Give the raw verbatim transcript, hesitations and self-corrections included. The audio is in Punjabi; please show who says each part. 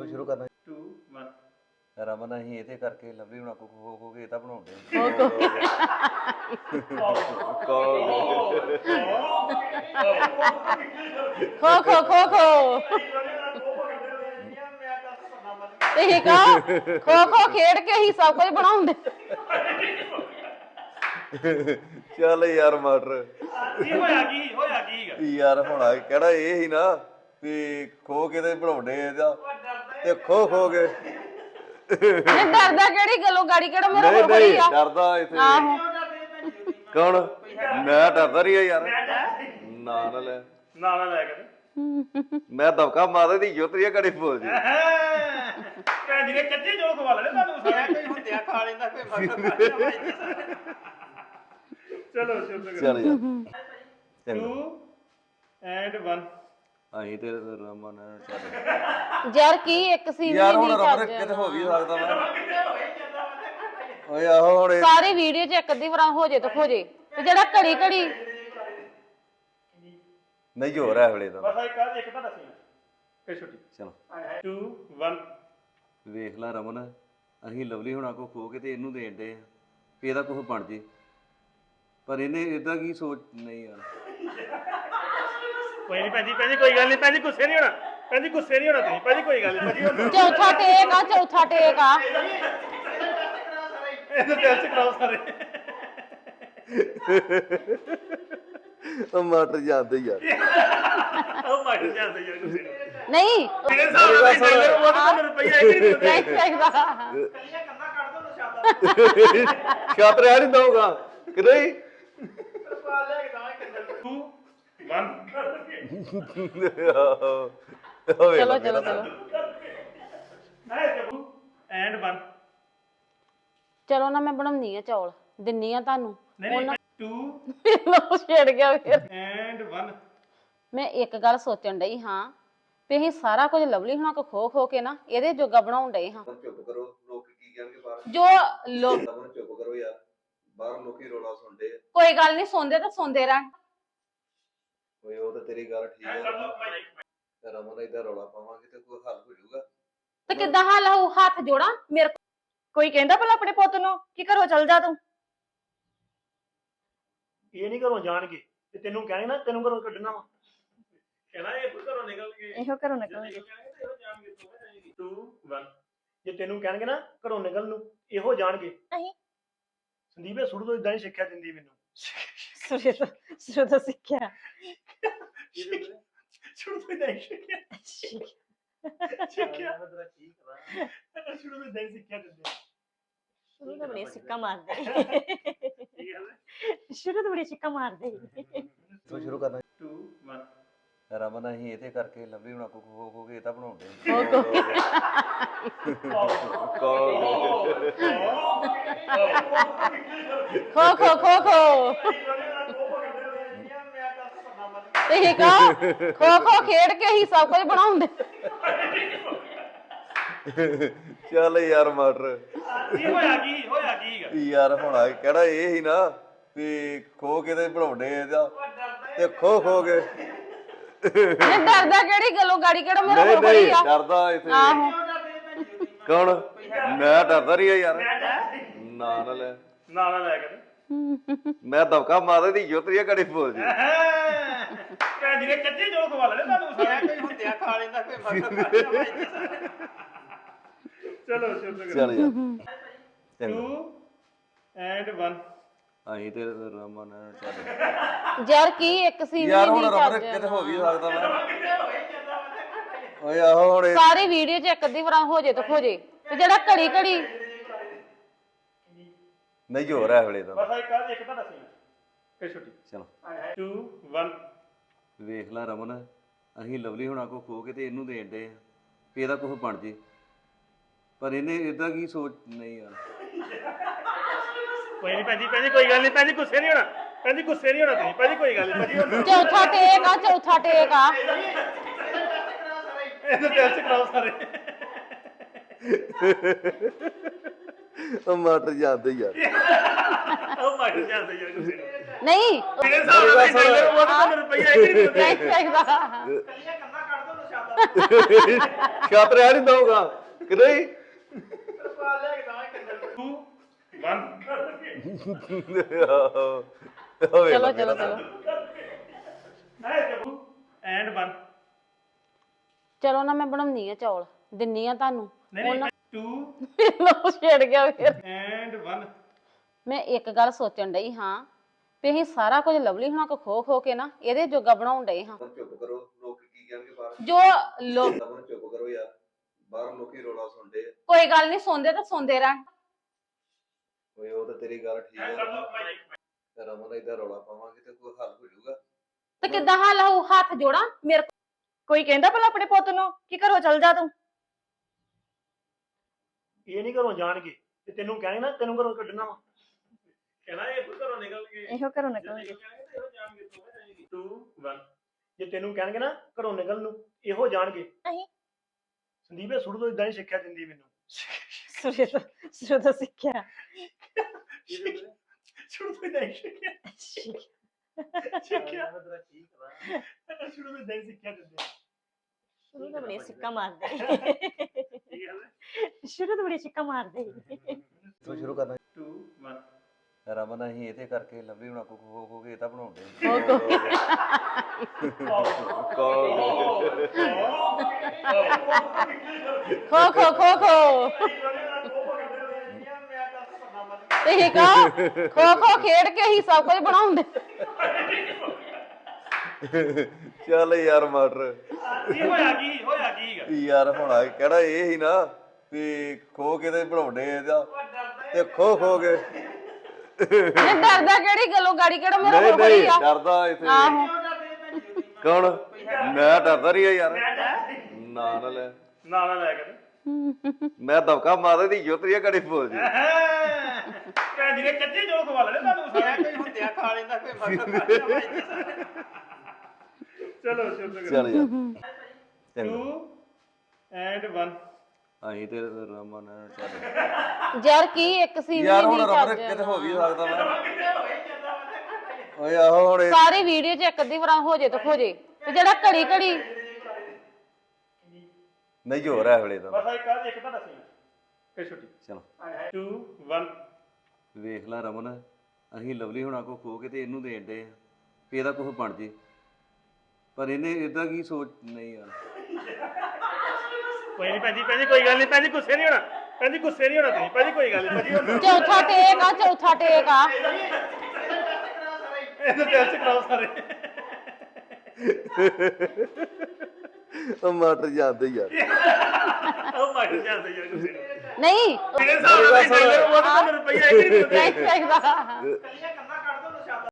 Speaker 1: ਕਿੱਥੋਂ ਸ਼ੁਰੂ ਕਰਨਾ?
Speaker 2: two one
Speaker 1: ਰਮਨ ਅਸੀਂ ਇਹਦੇ ਕਰਕੇ ਲਵਲੀ ਹੁਣਾਂ ਕੋ ਖੋ ਖੋ ਕੇ ਇਹ ਤਾਂ ਬਣਾਉਂਦੇ
Speaker 3: ਖੋ ਖੋ ਖੋ ਖੋ ਇਹ ਕਾ ਖੋ ਖੋ ਖੇਡ ਕੇ ਹੀ ਸਭ ਕੁਝ ਬਣਾਉਂਦੇ।
Speaker 1: ਚੱਲ ਯਾਰ ਮਾਟਰ
Speaker 2: ਕੀ ਹੋਇਆ ਕੀ ਹੋਇਆ ਕੀ
Speaker 1: ਯਾਰ ਹੋਣਾ ਕਿਹੜਾ ਇਹ ਹੀ ਨਾ ਵੀ ਖੋ ਕੇ ਤੇ ਬਣਾਉਂਦੇ ਇਹਦਾ ਤੇ ਖੋ ਖੋ ਕੇ
Speaker 3: ਨਹੀਂ ਡਰਦਾ ਕਿਹੜੀ ਗੱਲੋਂ ਗਾੜੀ ਕਿਹੜਾ ਮੇਰਾ
Speaker 1: ਨਹੀਂ
Speaker 3: ਕੋਲ ਖੜੀ
Speaker 1: ਨਹੀਂ
Speaker 3: ਆ।
Speaker 1: ਡਰਦਾ ਇੱਥੇ
Speaker 3: ਆਹੋ
Speaker 1: ਕੌਣ? ਮੈਂ ਡਰਦਾ ਰਹੀ ਯਾਰ ਨਾ ਨਾ ਲੈ
Speaker 2: ਨਾ ਨਾ ਲੈ ਕੇ
Speaker 1: ਮੈਂ ਦਬਕਾ ਮਾਰਦੇ ਦੀ ਜੋਤਰੀਆ ਘੜੀ ਬੋਲ ਜੀ
Speaker 2: ਭੈਣ ਜੀ ਨੇ ਕੱਚੇ ਜੋਲ ਖਵਾ ਲੈਣੇ ਤੁਹਾਨੂੰ ਸਾਰਾ ਕੋਈ ਹੁੰਦਿਆ ਖਾ ਲੈਂਦਾ ਫੇ ਚਲੋ ਸ਼ੁਰੂ
Speaker 1: ਚੱਲ ਯਾਰ ਚੰਗਾ
Speaker 2: two and one
Speaker 1: ਅਸੀਂ ਤੇ ਰਮਨ ਚੱਲ
Speaker 3: ਯਾਰ ਕੀ ਇੱਕ ਸੀਨ
Speaker 1: ਯਾਰ
Speaker 3: ਵੀ
Speaker 1: ਹੁਣ
Speaker 3: ਨਹੀਂ
Speaker 1: ਰਮਨ
Speaker 3: ਚੱਜ
Speaker 1: ਕਿਤੇ ਹੋ ਵੀ ਸਕਦਾ ਮੈਂ ਓਏ ਆਹੋ ਹੁਣ ਇਹ-
Speaker 3: ਸਾਰੀ ਵੀਡੀਓ ਚ ਇੱਕ ਅੱਧੀ ਵਾਰ ਹੋ ਜੇ ਤਾਂ ਹੋ ਜੇ ਤੇ ਜਿਹੜਾ ਘੜੀ ਘੜੀ
Speaker 1: ਨਹੀਂ ਹੋ ਰਿਹਾ ਵੇਲੇ ਦਾ
Speaker 2: ਬਸ ਇੱਕ ਇੱਕ ਤਾਂ ਦੱਸੀ ਫੇ ਛੁੱਟੀ
Speaker 1: ਚਲੋ
Speaker 2: two one
Speaker 1: ਵੇਖ ਲੈ ਰਮਨ ਅਸੀਂ ਲਵਲੀ ਹੁਣਾਂ ਕੋ ਖੋ ਕੇ ਤੇ ਇਹਨੂੰ ਦੇਣ ਦੇ ਆ ਵੀ ਇਹਦਾ ਕੁਝ ਬਣ ਜੇ ਪਰ ਇਹਨੇ ਇਦਾਂ ਕੀ ਸੋਚ ਨਹੀਂ ਯਾਰ
Speaker 2: ਕੋਈ ਨਹੀਂ ਭੈਣ ਜੀ ਭੈਣ ਜੀ ਕੋਈ ਗੱਲ ਨਹੀਂ ਭੈਣ ਜੀ ਗੁੱਸੇ ਨਹੀਂ ਹੋਣਾ ਭੈਣ ਜੀ ਗੁੱਸੇ ਨਹੀਂ ਹੋਣਾ ਤੁਸੀਂ ਭੈਣ ਜੀ ਕੋਈ ਗੱਲ ਨਹੀਂ ਭੈਣ ਜੀ
Speaker 3: ਚੌਥਾ ਟੇਕ ਆ ਚੌਥਾ ਟੇਕ ਆ
Speaker 2: ਇਹਦੇ ਦਿਲ ਚ ਕਰਾਓ ਸਾਰੇ
Speaker 1: ਉਹ ਮਾਟਰ ਜਾਂਦੇ ਯਾਰ
Speaker 2: ਉਹ ਮਾਰ ਜਾਂਦੇ ਯਾਰ ਗੁੱਸੇ ਨੂੰ
Speaker 3: ਨਹੀਂ
Speaker 2: ਮੇਰੇ ਸਾਹਮਣੇ ਟ੍ਰੇਲਰ ਉਹ ਤਾਂ ਮੈਨੂੰ ਰੁਪਈਆ ਇੱਕ ਨਹੀਂ ਦਿੰਦੇ
Speaker 3: ਨਹੀਂ ਚਾਹੀਦਾ
Speaker 2: ਕੱਲੀਆਂ ਕੰਨਾਂ ਕੱਢ ਦੋ ਨਸ਼ਾਦਾ
Speaker 1: ਛਾਤਰ ਆ ਨਹੀਂ ਦਊਗਾ ਕਿ ਨਹੀਂ
Speaker 2: ਰੁਪਾ ਲੈ ਕੇ ਦਵਾਂ ਕੰਨਾਂ two one
Speaker 3: ਚਲੋ ਚਲੋ ਚਲੋ
Speaker 2: ਹੈ ਜਬੂ and one
Speaker 3: ਚਲੋ ਨਾ ਮੈਂ ਬਣਾਉਣੀ ਆ ਚੌਲ ਦਿੰਨੀ ਆ ਤੁਹਾਨੂੰ
Speaker 2: ਨਹੀਂ ਨਹੀਂ two
Speaker 3: ਲੋ ਛੇੜ ਗਿਆ ਫਿਰ
Speaker 2: and one
Speaker 3: ਮੈਂ ਇੱਕ ਗੱਲ ਸੋਚਣ ਡਈ ਹਾਂ ਵੀ ਅਸੀਂ ਸਾਰਾ ਕੁਝ ਲਵਲੀ ਹੁਣਾਂ ਕੋ ਖੋ ਖੋ ਕੇ ਨਾ ਇਹਦੇ ਜੋਗਾ ਬਣਾਉਣ ਡਏ ਹਾਂ।
Speaker 1: ਚੁੱਪ ਕਰੋ ਲੋਕ ਕੀ ਕਹਿਣਗੇ ਬਾਹਰ
Speaker 3: ਜੋ ਲੋਕ
Speaker 1: ਰਮਨ ਚੁੱਪ ਕਰੋ ਯਾਰ ਬਾਹਰ ਲੋਕੀ ਰੌਲਾ ਸੁਣਦੇ ਆ
Speaker 3: ਕੋਈ ਗੱਲ ਨਹੀਂ ਸੁਣਦੇ ਤਾਂ ਸੁਣਦੇ ਰਹਿਣ।
Speaker 1: ਓਏ ਉਹ ਤਾਂ ਤੇਰੀ ਗੱਲ ਠੀਕ ਹੈ ਰਮਨ ਇਦਾਂ ਰੌਲਾ ਪਾਵਾਂਗੇ ਤੇ ਕੋਈ ਹੱਲ ਹੋ ਜਾਊਗਾ
Speaker 3: ਤੇ ਕਿੱਦਾਂ ਹਾਲ ਹੋਊ ਹੱਥ ਜੋੜਾਂ ਮੇਰੇ ਕੋਲ
Speaker 4: ਕੋਈ ਕਹਿੰਦਾ ਭਲਾ ਆਪਣੇ ਪੁੱਤ ਨੂੰ ਕਿ ਘਰੋਂ ਚਲ ਜਾ ਤੂੰ।
Speaker 2: ਇਹ ਨਹੀਂ ਘਰੋਂ ਜਾਣਗੇ ਤੇ ਤੈਨੂੰ ਕਹਿਣੇ ਨਾ ਤੈਨੂੰ ਘਰੋਂ ਕੱਢਣਾ ਵਾ ਕਹਿਣਾ ਇਹ ਘਰੋਂ ਨਿਕਲ ਗਏ
Speaker 4: ਇਹੋ ਘਰੋਂ ਨਿਕਲ
Speaker 2: two one ਜੇ ਤੈਨੂੰ ਕਹਿਣਗੇ ਨਾ ਘਰੋਂ ਨਿਕਲ ਨੂੰ ਇਹੋ ਜਾਣਗੇ
Speaker 4: ਨਹੀਂ
Speaker 2: ਸੰਦੀਪ ਇਹ ਸ਼ੁਰੂ ਤੋਂ ਇਦਾਂ ਹੀ ਸਿੱਖਿਆ ਦਿੰਦੀ ਮੈਨੂੰ
Speaker 4: ਸੁਰੇ ਤੋਂ ਸੁਰੇ ਤੋਂ ਸਿੱਖਿਆ
Speaker 2: ਸ਼ੁਰੂ ਤੋਂ ਇਦਾਂ ਹੀ ਸਿੱਖਿਆ ਸਿੱਖਿਆ ਸ਼ੁਰੂ ਤੋਂ ਇਦਾਂ ਹੀ ਸਿੱਖਿਆ ਦਿੰਦੇ
Speaker 4: ਸ਼ੁਰੂ ਤੋਂ ਬੜੀ ਸਿੱਕਾ ਮਾਰਦੇ
Speaker 2: ਠੀਕ ਹੈ
Speaker 4: ਸ਼ੁਰੂ ਤੋਂ ਬੜੀ ਸਿੱਕਾ ਮਾਰਦੇ
Speaker 1: ਕਿੱਥੋਂ ਸ਼ੁਰੂ ਕਰਨਾ?
Speaker 2: two one
Speaker 1: ਰਮਨ ਅਸੀਂ ਇਹਦੇ ਕਰਕੇ ਲਵਲੀ ਹੁਣਾਂ ਕੋ ਖੋ ਖੋ ਕੇ ਇਹ ਤਾਂ ਬਣਾਉਂਦੇ
Speaker 3: ਖੋ ਖੋ ਖੋ ਖੋ ਇਹ ਕਾ ਖੋ ਖੋ ਖੇਡ ਕੇ ਹੀ ਸਭ ਕੁਝ ਬਣਾਉਂਦੇ।
Speaker 1: ਚੱਲ ਯਾਰ ਮਾਟਰ
Speaker 2: ਕੀ ਹੋਇਆ ਕੀ ਹੋਇਆ ਕੀ
Speaker 1: ਯਾਰ ਹੋਣਾ ਕਿਹੜਾ ਇਹ ਹੀ ਨਾ ਵੀ ਖੋ ਕੇ ਤੇ ਬਣਾਉਂਦੇ ਇਹਦਾ ਤੇ ਖੋ ਖੋ ਕੇ
Speaker 3: ਨਹੀਂ ਡਰਦਾ ਕਿਹੜੀ ਗੱਲੋਂ ਗਾੜੀ ਕਿਹੜਾ ਮੇਰਾ
Speaker 1: ਨਹੀਂ
Speaker 3: ਕੋਲ ਖੜੀ
Speaker 1: ਨਹੀਂ
Speaker 3: ਆ।
Speaker 1: ਡਰਦਾ ਇੱਥੇ
Speaker 3: ਆਹੋ
Speaker 1: ਕੌਣ? ਮੈਂ ਡਰਦਾ ਰਹੀ ਯਾਰ ਨਾ ਨਾ ਲੈ
Speaker 2: ਨਾ ਨਾ ਲੈ ਕੇ
Speaker 1: ਮੈਂ ਦਬਕਾ ਮਾਰਦੇ ਦੀ ਜੋਤਰੀਆ ਘੜੀ ਬੋਲ ਜੀ
Speaker 2: ਭੈਣ ਜੀ ਨੇ ਕੱਚੇ ਜੋਲ ਖਵਾ ਲੈਣੇ ਤੁਹਾਨੂੰ ਸਾਰਾ ਕੋਈ ਹੁੰਦਿਆ ਖਾ ਲੈਂਦਾ ਫੇ ਚਲੋ ਸ਼ੁਰੂ
Speaker 1: ਚੱਲ ਯਾਰ ਚੰਗਾ
Speaker 2: two and one
Speaker 1: ਅਸੀਂ ਤੇ ਰਮਨ ਚੱਲ
Speaker 3: ਯਾਰ ਕੀ ਇੱਕ ਸੀਨ
Speaker 1: ਯਾਰ
Speaker 3: ਵੀ
Speaker 1: ਹੁਣ
Speaker 3: ਨਹੀਂ
Speaker 1: ਰਮਨ
Speaker 3: ਚੱਜ
Speaker 1: ਕਿਤੇ ਹੋ ਵੀ ਸਕਦਾ ਮੈਂ ਓਏ ਆਹੋ ਹੁਣ ਇਹ-
Speaker 3: ਸਾਰੀ ਵੀਡੀਓ ਚ ਇੱਕ ਅੱਧੀ ਵਾਰ ਹੋ ਜੇ ਤਾਂ ਹੋ ਜੇ ਤੇ ਜਿਹੜਾ ਘੜੀ ਘੜੀ
Speaker 1: ਨਹੀਂ ਹੋ ਰਿਹਾ ਵੇਲੇ ਦਾ
Speaker 2: ਬਸ ਇੱਕ ਇੱਕ ਤਾਂ ਦੱਸੀ ਫੇ ਛੁੱਟੀ
Speaker 1: ਚਲੋ
Speaker 2: two one
Speaker 1: ਵੇਖ ਲੈ ਰਮਨ ਅਸੀਂ ਲਵਲੀ ਹੁਣਾਂ ਕੋ ਖੋ ਕੇ ਤੇ ਇਹਨੂੰ ਦੇਣ ਦੇ ਆ ਵੀ ਇਹਦਾ ਕੁਝ ਬਣ ਜੇ ਪਰ ਇਹਨੇ ਇਦਾਂ ਕੀ ਸੋਚ ਨਹੀਂ ਯਾਰ
Speaker 2: ਕੋਈ ਨਹੀਂ ਭੈਣ ਜੀ ਭੈਣ ਜੀ ਕੋਈ ਗੱਲ ਨਹੀਂ ਭੈਣ ਜੀ ਗੁੱਸੇ ਨਹੀਂ ਹੋਣਾ ਭੈਣ ਜੀ ਗੁੱਸੇ ਨਹੀਂ ਹੋਣਾ ਤੁਸੀਂ ਭੈਣ ਜੀ ਕੋਈ ਗੱਲ ਨਹੀਂ ਭੈਣ ਜੀ
Speaker 3: ਚੌਥਾ ਟੇਕ ਆ ਚੌਥਾ ਟੇਕ ਆ
Speaker 2: ਇਹਦੇ ਦਿਲ ਚ ਕਰਾਓ ਸਾਰੇ
Speaker 1: ਉਹ ਮਾਟਰ ਜਾਂਦੇ ਯਾਰ
Speaker 2: ਉਹ ਮਾਰ ਜਾਂਦੇ ਯਾਰ ਗੁੱਸੇ ਨੂੰ
Speaker 3: ਨਹੀਂ
Speaker 2: ਮੇਰੇ ਸਾਹਮਣੇ ਟ੍ਰੇਲਰ ਉਹ ਤਾਂ ਮੈਨੂੰ ਰੁਪਈਆ ਇੱਕ ਨਹੀਂ ਦਿੰਦੇ
Speaker 3: ਨਹੀਂ ਚਾਹੀਦਾ
Speaker 2: ਕੱਲੀਆਂ ਕੰਨਾਂ ਕੱਢ ਦੋ ਨਸ਼ਾਦਾ
Speaker 1: ਛਾਤਰ ਆ ਨਹੀਂ ਦਊਗਾ ਕਿ ਨਹੀਂ
Speaker 2: ਟੂ ਵਨ
Speaker 3: ਚਲੋ ਚਲੋ ਚਲੋ
Speaker 2: ਹੈ ਜਬੂ ਐਂਡ ਵਨ
Speaker 3: ਚਲੋ ਨਾ ਮੈਂ ਬਣਾਉਣੀ ਆ ਚੌਲ ਦਿੰਨੀ ਆ ਤੁਹਾਨੂੰ
Speaker 2: ਨਹੀਂ ਨਹੀਂ ਟੂ
Speaker 3: ਲੋ ਛੇੜ ਗਿਆ ਫਿਰ
Speaker 2: ਐਂਡ ਵਨ
Speaker 3: ਮੈਂ ਇੱਕ ਗੱਲ ਸੋਚਣ ਡਈ ਹਾਂ ਵੀ ਅਸੀਂ ਸਾਰਾ ਕੁਝ ਲਵਲੀ ਹੁਣਾਂ ਕੋ ਖੋ ਖੋ ਕੇ ਨਾ ਇਹਦੇ ਜੋਗਾ ਬਣਾਉਣ ਡਏ ਹਾਂ
Speaker 1: ਚੁੱਪ ਕਰੋ ਲੋਕ ਕੀ ਕਹਿਣਗੇ ਬਾਹਰ
Speaker 3: ਜੋ ਲੋਕ
Speaker 1: ਰਮਨ ਚੁੱਪ ਕਰੋ ਯਾਰ ਬਾਹਰ ਲੋਕੀ ਰੋਲਾ ਸੁਣਦੇ ਆ
Speaker 3: ਕੋਈ ਗੱਲ ਨਹੀਂ ਸੁਣਦੇ ਤਾਂ ਸੁਣਦੇ ਰਹਿਣ
Speaker 1: ਓਏ ਉਹ ਤਾਂ ਤੇਰੀ ਗੱਲ ਠੀਕ ਹੈ ਰਮਨ ਇਦਾਂ ਰੌਲਾ ਪਾਵਾਂਗੇ ਤੇ ਕੋਈ ਹੱਲ ਹੋ ਜਾਊਗਾ
Speaker 3: ਤੇ ਕਿੱਦਾਂ ਹਾਲ ਹੋਊ ਹੱਥ ਜੋੜਾਂ ਮੇਰੇ ਕੋਲ
Speaker 4: ਕੋਈ ਕਹਿੰਦਾ ਭਲਾ ਆਪਣੇ ਪੁੱਤ ਨੂੰ ਕਿ ਘਰੋਂ ਚੱਲ ਜਾ ਤੂੰ
Speaker 2: ਇਹ ਨਹੀਂ ਘਰੋਂ ਜਾਣਗੇ ਤੇ ਤੈਨੂੰ ਕਹਿਣਗੇ ਨਾ ਤੈਨੂੰ ਘਰੋਂ ਕੱਢਣਾ ਵਾ ਕਹਿਣਾ ਇਹ ਘਰੋਂ ਨਿਕਲ ਗਏ
Speaker 4: ਇਹੋ ਘਰੋਂ ਨਿਕਲ ਗਏ
Speaker 2: ਟੂ ਵਨ ਜੇ ਤੈਨੂੰ ਕਹਿਣਗੇ ਨਾ ਘਰੋਂ ਨਿਕਲ ਨੂੰ ਇਹੋ ਜਾਣਗੇ
Speaker 4: ਨਹੀਂ।
Speaker 2: ਸੰਦੀਪ ਇਹ ਸ਼ੁਰੂ ਤੋਂ ਇਦਾਂ ਹੀ ਸਿੱਖਿਆ ਦਿੰਦੀ ਮੈਨੂੰ
Speaker 4: ਸੁਰੇ ਤੋਂ ਸੁਰੇ ਤੋਂ ਸਿੱਖਿਆ
Speaker 2: ਸ਼ੁਰੂ ਤੋਂ ਇਦਾਂ ਹੀ ਸਿੱਖਿਆ ਸਿੱਖਿਆ ਸ਼ੁਰੂ ਤੋਂ ਇਦਾਂ ਹੀ ਸਿੱਖਿਆ ਦਿੰਦੇ
Speaker 4: ਸ਼ੁਰੂ ਤੋਂ ਬੜੀ ਸਿੱਕਾ ਮਾਰਦੇ
Speaker 2: ਠੀਕ ਹੈ
Speaker 4: ਸ਼ੁਰੂ ਤੋਂ ਬੜੀ ਸਿੱਕਾ ਮਾਰਦੇ
Speaker 1: ਤੂੰ ਸ਼ੁਰੂ ਕਰਨਾ
Speaker 2: ਟੂ ਵਨ
Speaker 1: ਰਮਨ ਅਸੀਂ ਇਹਦੇ ਕਰਕੇ ਲਵਲੀ ਹੁਣਾਂ ਕੋ ਖੋ ਖੋ ਕੇ ਇਹ ਤਾਂ ਬਣਾਉਂਦੇ
Speaker 3: ਖੋ ਖੋ ਖੋ ਖੋ ਤੇ ਕਹੋ ਖੋ ਖੋ ਖੇਡ ਕੇ ਹੀ ਸਭ ਕੁਝ ਬਣਾਉਂਦੇ
Speaker 1: ਚੱਲ ਯਾਰ ਮਾਟਰ
Speaker 2: ਕੀ ਹੋਇਆ ਕੀ ਹੋਇਆ ਕੀ ਗਾ?
Speaker 1: ਯਾਰ ਹੋਣਾ ਕਿਹੜਾ ਇਹ ਹੀ ਨਾ ਵੀ ਖੋ ਕੇ ਤੇ ਬਣਾਉਂਦੇ ਇਹਦਾ ਤੇ ਖੋ ਖੋ ਕੇ
Speaker 3: ਨਹੀਂ ਡਰਦਾ ਕਿਹੜੀ ਗੱਲੋਂ ਗਾੜੀ ਕਿਹੜਾ ਮੇਰਾ
Speaker 1: ਨਹੀਂ
Speaker 3: ਹੋਰ ਕੋਈ
Speaker 1: ਨਹੀਂ
Speaker 3: ਆ
Speaker 1: ਡਰਦਾ ਇੱਥੇ
Speaker 3: ਆਹੋ
Speaker 1: ਕੌਣ ਮੈਂ ਡਰਦਾ ਰਹੀ ਯਾਰ ਨਾ ਨਾ ਲੈ
Speaker 2: ਨਾ ਨਾ ਲੈ ਕੇ
Speaker 1: ਮੈਂ ਦਬਕਾ ਮਾਰਦਾ ਦੀ ਜੋਤਰੀਆ ਘੜੀ ਬੋਲ ਜੀ
Speaker 2: ਭੈਣ ਜੀ ਨੇ ਕੱਚੇ ਜੋਲ ਖਵਾ ਲੈਣੇ ਤੁਹਾਨੂੰ ਸਾਰਿਆਂ ਕੋਈ ਹੁੰਦਿਆ ਖਾ ਲੈਂਦਾ ਕੋਈ ਚਲੋ ਚਲੋ
Speaker 1: ਚੱਲ ਯਾਰ ਚੰਗਾ
Speaker 2: ਟੂ ਐਂਡ ਵਨ
Speaker 1: ਅਸੀਂ ਤੇ ਰਮਨ ਚੱਲ
Speaker 3: ਯਾਰ ਕੀ ਇੱਕ ਸੀਨ
Speaker 1: ਯਾਰ
Speaker 3: ਵੀ
Speaker 1: ਹੁਣ
Speaker 3: ਨਹੀਂ
Speaker 1: ਰਮਨ
Speaker 3: ਚੱਜ
Speaker 1: ਕਿਤੇ ਹੋ ਵੀ
Speaker 3: ਨਾਲ।
Speaker 1: ਸਕਦਾ ਵਾ ਓਏ ਆਹੋ ਹੁਣ ਇਹ-
Speaker 3: ਸਾਰੀ ਵੀਡੀਓ 'ਚ ਇੱਕ ਅੱਧੀ ਵਾਰ ਹੋ ਜੇ ਤਾਂ ਹੋ ਜੇ ਤੇ ਜਿਹੜਾ ਘੜੀ ਘੜੀ
Speaker 1: ਨਹੀਂ ਜੋਰ ਹੈ ਵੇਲੇ ਦਾ
Speaker 2: ਬਸ ਇੱਕ ਆ ਇੱਕ ਤਾਂ ਦੱਸੀ ਫਿਰ ਛੁੱਟੀ
Speaker 1: ਚਲੋ
Speaker 2: ਟੂ ਵਨ
Speaker 1: ਵੇਖ ਲੈ ਰਮਨ ਅਸੀਂ ਲਵਲੀ ਹੁਣਾਂ ਕੋ ਖੋ ਕੇ ਤੇ ਇਹਨੂੰ ਦੇਣ ਦੇ ਆ ਵੀ ਇਹਦਾ ਕੁਝ ਬਣ ਜੇ ਪਰ ਇਹਨੇ ਇਦਾਂ ਕੀ ਸੋਚ ਨਹੀਂ ਯਾਰ
Speaker 2: ਕੋਈ ਨਹੀਂ ਭੈਣ ਜੀ ਭੈਣ ਜੀ ਕੋਈ ਗੱਲ ਨਹੀਂ ਭੈਣ ਜੀ ਗੁੱਸੇ ਨਹੀਂ ਹੋਣਾ ਭੈਣ ਜੀ ਗੁੱਸੇ ਨਹੀਂ ਹੋਣਾ ਤੁਸੀਂ ਭੈਣ ਜੀ ਕੋਈ ਗੱਲ ਨਹੀਂ ਭੈਣ ਜੀ
Speaker 3: ਚੌਥਾ ਟੇਕ ਆ ਚੌਥਾ ਟੇਕ ਆ
Speaker 2: ਇਹਦੇ ਦਿਲ ਚ ਕਰਾਓ ਸਾਰੇ
Speaker 1: ਉਹ ਮਾਟਰ ਜਾਂਦੇ ਯਾਰ
Speaker 2: ਉਹ ਮਾਰ ਜਾਂਦੇ ਯਾਰ ਗੁੱਸੇ
Speaker 3: ਨਹੀਂ
Speaker 2: ਮੇਰੇ ਸਾਹਮਣੇ ਉਹ ਤਾਂ ਰੁਪਈਆ ਇੱਕ ਨਹੀਂ ਦਿੰਦੇ
Speaker 3: ਨਹੀਂ ਚਾਹੀਦਾ